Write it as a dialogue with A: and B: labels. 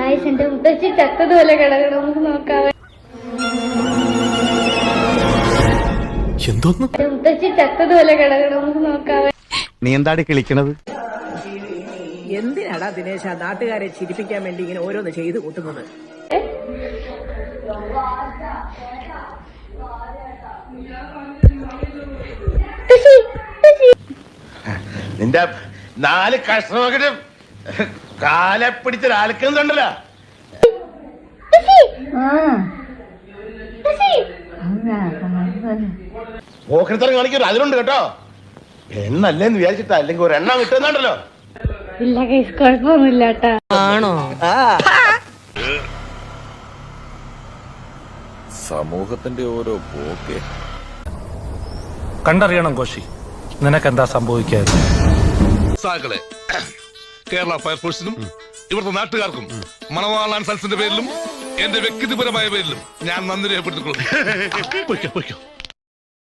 A: Guys എന്റെ മുത്തശ്ശി ചത്തതുപോലെ കിടക്കണം, നമുക്ക് നോക്കാവേ.
B: എന്തോന്ന്
A: മുത്തശ്ശി ചത്തതുപോലെ കിടക്കണം, നമുക്ക് നോക്കാവേ.
C: നീ എന്താടി കിളിക്കണത്?
D: എന്തിനാടാ ദിനേശ നാട്ടുകാരെ ചിരിപ്പിക്കാൻ വേണ്ടി ഇങ്ങനെ ഓരോന്ന് ചെയ്തു കൂട്ടുന്നത്?
E: നിന്റെ 4 കഷ്ണമൊക്കെ കാലെ പിടിച്ച് ആൽക്കുന്നുണ്ടല്ലോ. ഓഹരിത്തരം കാണിക്കരുത്, അതിലുണ്ട് കേട്ടോ. എണ്ണല്ലേന്ന് വിചാരിച്ചിട്ടാ, അല്ലെങ്കിൽ ഒരു എണ്ണം കിട്ടുന്നുണ്ടല്ലോ.
A: ഇല്ല ഗൈസ്, കുഴപ്പമൊന്നുമില്ല കേട്ടാ.
D: ആണോ?
B: സമൂഹത്തിന്റെ ഓരോ പോക്കെ
F: കണ്ടറിയണം കോശി, നിനക്കെന്താ സംഭവിക്കാതെ.
G: കേരള ഫയർഫോഴ്സിനും ഇവിടുത്തെ നാട്ടുകാർക്കും മണവാളാൻ സൽസിന്റെ പേരിലും എന്റെ വ്യക്തിപരമായ പേരിലും ഞാൻ നന്ദി രേഖപ്പെടുത്തിക്കൊള്ളുന്നു.